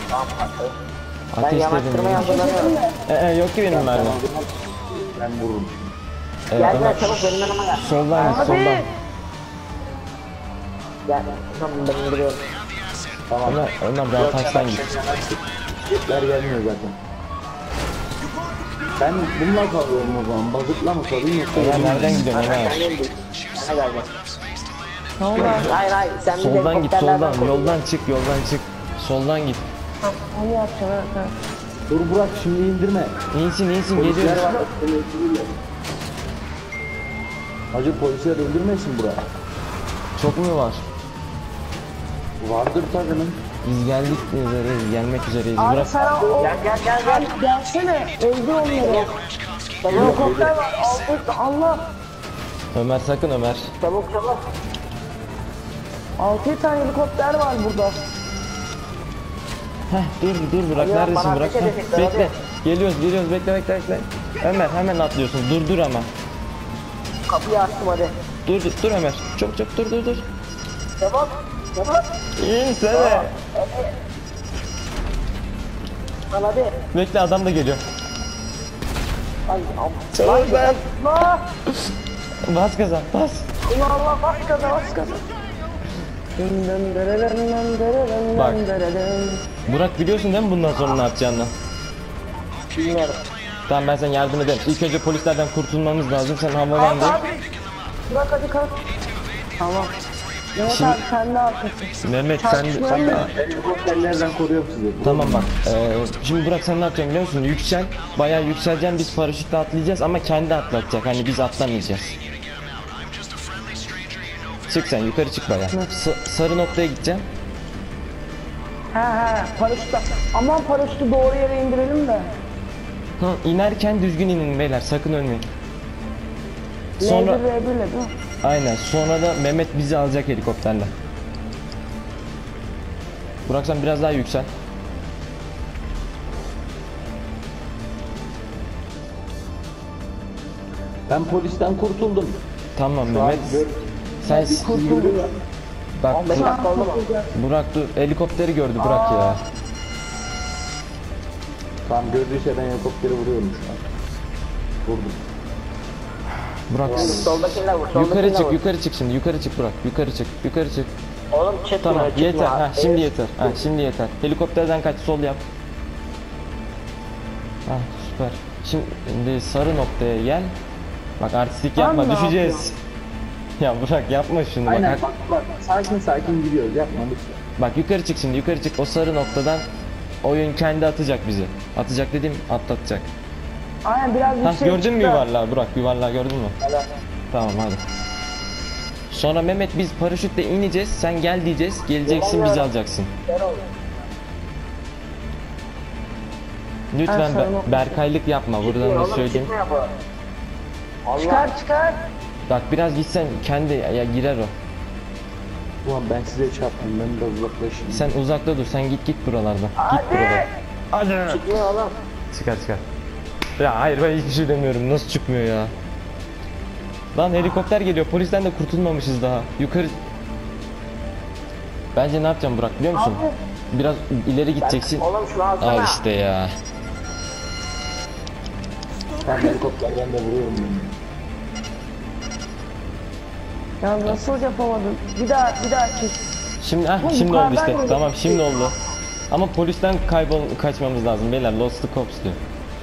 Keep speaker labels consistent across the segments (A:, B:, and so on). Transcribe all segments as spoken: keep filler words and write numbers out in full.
A: Tamam patladı. Ben
B: Ateşledim.
A: yanaştırmaya hazırlanıyorum.
B: Ee, e, yok ki benim mermi.
C: Ben vururum.
B: Evet,
A: Gel
B: Ömer.
A: gel çabuk benim yanıma gel.
B: Soldan git, soldan.
A: Gel. Tamam ben indiriyorum.
C: Tamam.
B: Ömer, Ömer daha taştan git.
C: Jetler gelmiyor zaten. Ben bununla kalıyorum o zaman. Bazıkla mı kalayım yoksa?
B: Ömer nereden gidiyorsun Ömer?
A: Sen indir. Bana gel gel. Ne oldu? Hayır hayır sen bir
B: Soldan git,
A: helikopterlerden
B: soldan.
A: koru.
B: Yoldan çık, yoldan çık. Soldan git.
D: Onu yapacağım evet.
C: Dur Burak şimdi indirme.
B: İyisin, iyisin,
C: Polisler
B: geliyoruz.
C: var. seni öldürürler. Hacı polisler öldürmesin Burak.
B: Çok mu var?
C: Vardır takının.
B: Biz geldik üzereyiz, gelmek üzereyiz.
D: Abi
B: Bırak.
D: sen o
A: Gel gel gel gel.
D: gelsene öldür onları. Helikopter var altı Allah.
B: Ömer sakın Ömer.
A: Çabuk çabuk.
D: Altı tane helikopter var burada.
B: Heh, dur dur Burak,
A: Ya,
B: neredesin
A: bana
B: Burak?
A: ateş
B: Heh,
A: edecekler,
B: bekle.
A: hadi.
B: Geliyoruz, geliyoruz, bekle bekle bekle. Ömer hemen atlıyorsun. Dur dur ama.
A: Kapıyı açtım hadi.
B: Dur dur, dur Ömer. Çok çok dur dur dur.
A: Çabuk. Çabuk.
B: İnsene.
A: Lan hadi.
B: Bekle, adam da geliyor.
A: Ay am.
B: Çabuk ben.
D: Allah
B: Bas gaza, bas.
D: Allah Allah bas gaza bas gaza. Dın dın dırırın dın dırırın
B: Bak.
D: dın dırırın.
B: Burak biliyorsun değil mi bundan sonra ne yapacağını?
A: Bilmiyorum.
B: Tamam ben sana yardım ederim. İlk önce polislerden kurtulmamız lazım. Sen havalandır.
D: Abi bırak hadi kalk. Tamam. Mehmet
B: Şimdi-
D: abi sen de arkasın.
B: Mehmet sen...
D: Çarpışmayalım mı?
C: Helikopterlerden koruyorum sizi.
B: Tamam bak. Ee, şimdi Burak sen ne yapacaksın biliyor musun? Yüksel. Bayağı yükseleceksin. Biz paraşütle atlayacağız ama kendi atlatacak. Hani biz atlamayacağız. Çık sen yukarı çık bayağı. S- sarı noktaya gideceğim.
D: He he paraşütle. Aman paraşütü doğru yere indirelim de.
B: Hı, inerken düzgün inin beyler. Sakın ölmeyin.
D: Sonra...
B: Sonra...
D: L bir R bir ile değil mi?
B: Aynen. Sonra da Mehmet bizi alacak helikopterle. Burak sen biraz daha yüksel.
C: Ben polisten kurtuldum.
B: Tamam
C: Şu an
B: Mehmet.
C: gör-
B: Sen
C: Kurtuldum.
B: bak
A: on beş
B: Burak,
A: dakika oldu mu?
B: Burak dur. Helikopteri gördü Burak ya.
C: Tamam gördüyse ben helikopteri vuruyorum şu an. Vurdum.
B: Burak
A: Soldakiler vur. Soldakiler
B: yukarı çık,
A: vur.
B: yukarı çık şimdi. Yukarı çık Burak. Yukarı çık. Yukarı çık.
A: Oğlum çıkmıyor
B: Tamam
A: çıkmıyor.
B: yeter. Ha
A: abi.
B: şimdi yeter. Ha şimdi yeter. Helikopterden kaç, sol yap. Ha süper. Şimdi sarı noktaya gel. Bak artistlik yapma,
D: Ben ne
B: düşeceğiz. Ya Burak yapma şunu bak.
C: Aynen
B: Bak,
C: bak bak sakin sakin gidiyoruz yapma lütfen.
B: bak yukarı çık şimdi, yukarı çık. O sarı noktadan oyun kendi atacak bizi. Atacak dediğim atlatacak.
D: Aynen biraz
B: Ha
D: yüksek
B: gördün mü
D: çıktı.
B: yuvarlağı Burak? Yuvarlağı gördün mü?
A: Evet.
B: Tamam hadi. Sonra Mehmet biz paraşütle ineceğiz. Sen gel diyeceğiz. Geleceksin bizi alacaksın.
A: Gel oğlum.
B: Lütfen
D: Ha, sarı
B: Be-
D: nokta.
B: Berkaylık yapma. Buradan da
A: Oğlum
B: söyleyeyim.
A: çıkmıyor bu. Allah.
D: Çıkar çıkar.
B: Bak biraz gitsen kendi ya girer o.
C: Ulan ben size çarptım ben de uzaklaşayım.
B: Sen uzakta dur. Sen git git buralardan. Git
D: Hadi.
B: buradan. Hadi.
A: Çıkmıyor oğlum.
B: Çıkar çıkar. Ya hayır ben hiçbir şey demiyorum. Nasıl çıkmıyor ya? Lan helikopter geliyor. Polisten de kurtulmamışız daha. Yukarı. Bence ne yapacağım Burak biliyor musun?
D: Abi.
B: Biraz ileri gideceksin.
A: Oğlum şunu alsana.
B: Al işte ya.
C: Ben helikopterden de vuruyorum beni.
D: Ya nasıl yapamadın? Bir daha bir daha çek.
B: Şimdi ah
D: Bu
B: şimdi oldu
D: yukarıdan
B: işte.
D: geliyor.
B: Tamam şimdi oldu. Ama polisten kaybol kaçmamız lazım beyler. Lost the cops diyor.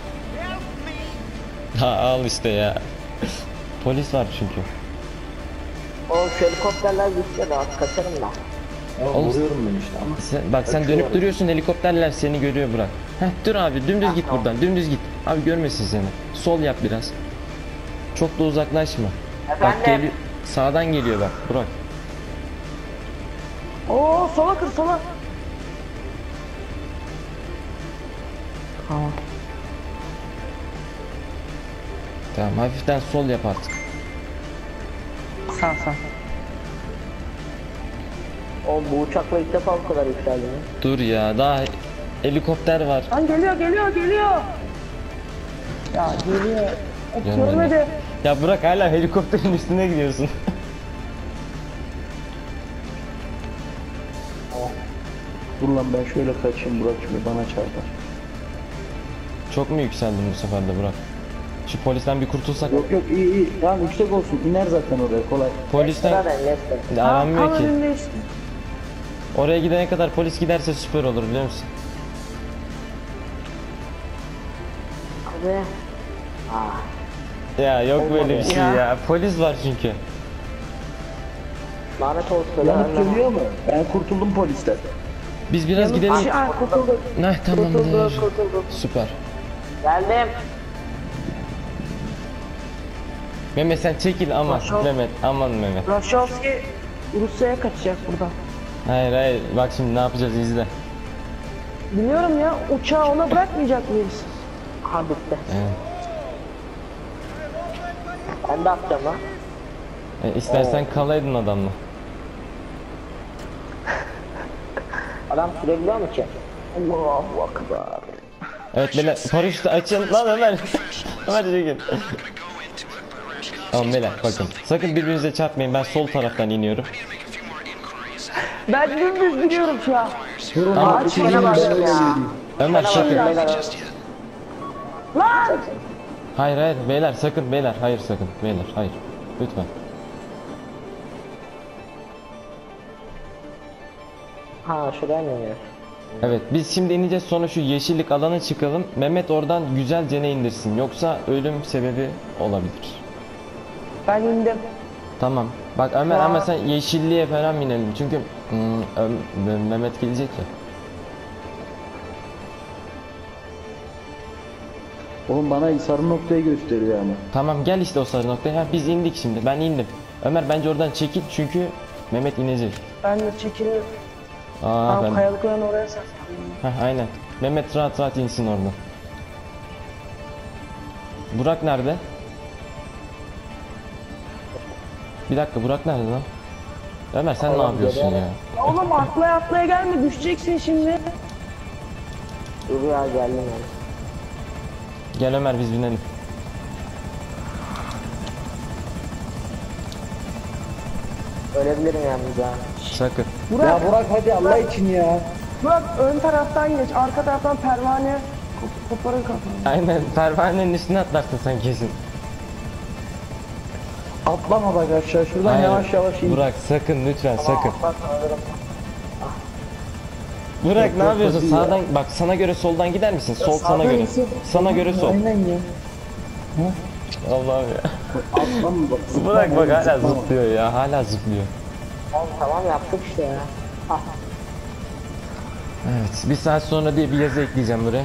B: Ha al işte ya. Polis var çünkü.
A: O şu helikopterler gitti de az kaçarım da.
C: Ama
B: Oğlum-
C: vuruyorum ben işte ama.
B: Sen, bak sen dönüp duruyorsun, helikopterler seni görüyor Burak. Heh dur abi dümdüz git buradan, dümdüz git. Abi görmesin seni. Sol yap biraz. Çok da uzaklaşma. Bak
A: Efendim?
B: geliyor. Sağdan geliyor bak Burak.
D: Oo sola kır sola. Tamam.
B: Tamam hafiften sol yap artık.
D: Sağ sağ.
A: O bu uçakla ilk defa bu kadar yükseldi mi?
B: Dur ya daha helikopter var.
D: Lan geliyor geliyor geliyor. Ya geliyor. O
B: Görmedim.
D: görmedi.
B: Ya Burak hala helikopterin üstüne gidiyorsun.
C: Dur lan ben şöyle kaçayım, Burak şimdi bana çarpar.
B: Çok mu yükseldin bu sefer de Burak? Şu polisten bir kurtulsak.
C: Yok yok iyi iyi. Tamam yüksek olsun. İner zaten oraya kolay.
B: Polisten
A: Zaten Leicester.
B: aranmıyor
D: Tam
B: ki.
D: önümde işte.
B: Oraya gidene kadar polis giderse süper olur biliyor musun?
A: Abi. Ah.
B: Ya yok böyle bir şey ya.
D: Ya.
B: Polis var çünkü.
A: Lanet olsun.
C: Yanıt
A: lan.
C: geliyor mu? Ben kurtuldum polisten.
B: Biz biraz gidelim.
D: Şey, aa, kurtulduk.
B: Nah tamamdır.
A: Kurtulduk kurtulduk.
B: Süper.
A: Geldim.
B: Mehmet sen çekil aman
D: Maşallah.
B: Mehmet aman Mehmet.
D: Rashowski Rusya'ya kaçacak buradan.
B: Hayır hayır bak şimdi ne yapacağız izle.
D: Biliyorum ya, uçağı ona bırakmayacak mıyız?
A: Ha bitti.
B: Evet.
A: Ben de atacağım lan.
B: E, istersen kalaydın adamla.
A: Adam sürebiliyor mu ki? Allahu akbar.
B: Evet beyler paraşütü açın lan Ömer. Ömer çekil. Tamam beyler bakın sakın birbirinize çarpmayın ben sol taraftan iniyorum.
D: Ben dümdüz gidiyorum şu an.
C: Durun
B: Tamam.
C: abi,
A: Şuna
C: ben
A: bak
C: öyle
A: ya.
C: yürüyeyim.
B: Ömer sakın.
A: Beyler,
D: Lan!
B: Hayır hayır beyler sakın beyler hayır sakın beyler hayır lütfen.
A: Ha şuraya mı iniyor?
B: Evet biz şimdi ineceğiz sonra şu yeşillik alana çıkalım. Mehmet oradan güzelce ne indirsin yoksa ölüm sebebi olabilir.
D: Ben indim.
B: Tamam. Bak Ömer ama sen yeşilliğe falan inelim çünkü hmm, Ö- Mehmet gelecek ya.
C: Oğlum bana sarı noktayı gösteriyor ama.
B: Tamam gel işte o sarı noktaya. Ha, biz indik şimdi ben indim. Ömer bence oradan çekil çünkü Mehmet inecek.
D: Ben de çekiliyorum.
B: Aa
D: Tamam,
B: ben.
D: kayalıkların oraya saklandım.
B: Heh, aynen. Mehmet rahat rahat insin oradan. Burak nerede? Bir dakika Burak nerede lan? Ömer sen ne
A: Oğlum,
B: yapıyorsun ya?
A: geliyorum.
D: Ya oğlum atlaya atlaya gelme, düşeceksin şimdi.
A: Dur ya geldim yani.
B: Gel Ömer biz binelim.
A: Ölebilirim yalnız ha.
B: Sakın.
D: Burak,
C: Ya Burak hadi Allah için ya.
D: Burak ön taraftan geç, arka taraftan pervane kop- koparır kafanı.
B: Aynen pervanenin üstüne atlarsın sen kesin.
C: Atlama bak aşağı şuradan
B: Hayır,
C: yavaş yavaş in.
B: Burak sakın lütfen sakın.
A: Bak alırım.
B: Burak
C: Yok,
B: ne
C: yok,
B: yapıyorsun?
C: hadi ya.
B: Sağdan bak sana göre soldan gider misin? Sol sana
C: Sağdan
B: göre.
C: insin.
B: Sana göre sol.
C: Aynen ya.
B: Allah'ım ya.
C: Atlama bak.
B: Burak
C: zıplama,
B: bak hala
C: zıplama.
B: zıplıyor ya. Hala zıplıyor.
A: Oğlum tamam yaptık işte ya. Ah.
B: Evet. Bir saat sonra diye bir yazı ekleyeceğim buraya.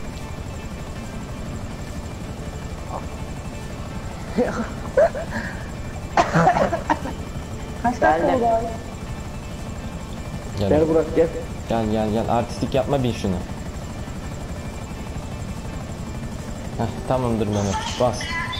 D: Kaç dakika
A: Geldim.
D: oldu abi?
B: Gel.
C: Gel Burak gel.
B: Gel gel gel. Artistik yapma bin şunu. Heh, tamamdır Mehmet. Bas.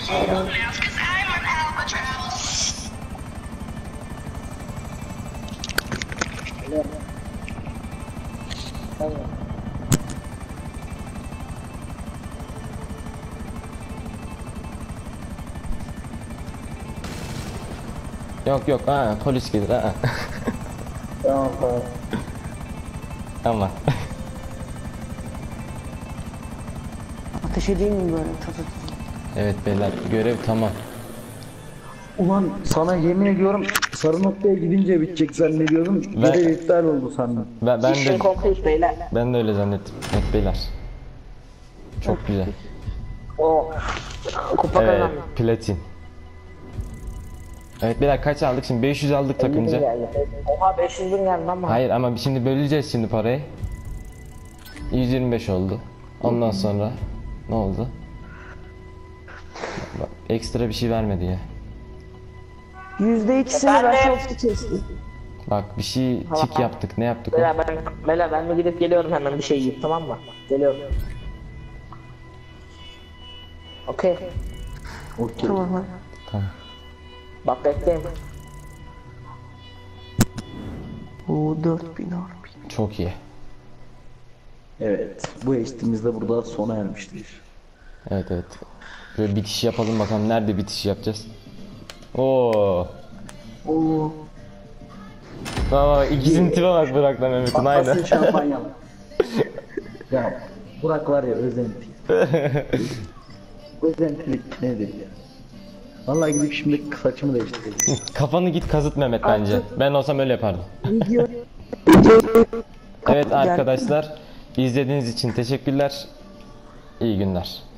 B: Yok yok. Ha, polis gelir. Ha.
C: Tamam tamam.
B: Tamam.
D: Ateş edeyim mi böyle? Tut tut.
B: Evet beyler görev tamam.
C: Ulan sana yemin ediyorum sarı noktaya gidince bitecek zannediyordum.
B: Ben-
C: Görev iptal oldu sandım.
B: Ben, ben
A: İşin
B: de
A: kompleks beyler.
B: ben de öyle zannettim. Evet beyler. Çok güzel.
A: O. Kupa
B: Evet,
A: kazandım.
B: platin. Evet beyler kaç aldık şimdi? beş yüz aldık
A: elli bin
B: takımca.
A: geldi. Oha beş yüz bin geldi ama.
B: Hayır ama şimdi böleceğiz şimdi parayı. yüz yirmi beş oldu. Ondan sonra ne oldu? Bak, ekstra bir şey vermedi ya.
D: Yüzde ikisini
A: Efendim?
D: Rashowski kesti.
B: Bak bir şey tik yaptık. Ne yaptık o?
A: Beyler ben, beyler ben de gidip geliyorum hemen bir şey yiyip tamam mı? Geliyorum. Okey.
C: Okey.
D: Tamam hadi.
B: Tamam.
A: Bak bekleyin.
D: Oo dört bin harbi.
B: Çok iyi.
C: Evet. Bu eşitimiz de burada sona ermiştir.
B: Evet evet. Böyle bitiş yapalım bakalım nerede bitiş yapacağız. Oo.
D: Oo.
B: Valla ikisinin tipe bak Burak'la Mehmet'in aynı.
C: Asıl şampanyalı. Ya Burak var ya özenti. Özentilik nedir ya? Vallahi gidip şimdi saçımı değiştireceğim.
B: Kafanı git kazıt Mehmet bence. Ben olsam öyle yapardım.
D: Video.
B: Evet arkadaşlar, izlediğiniz için teşekkürler. İyi günler.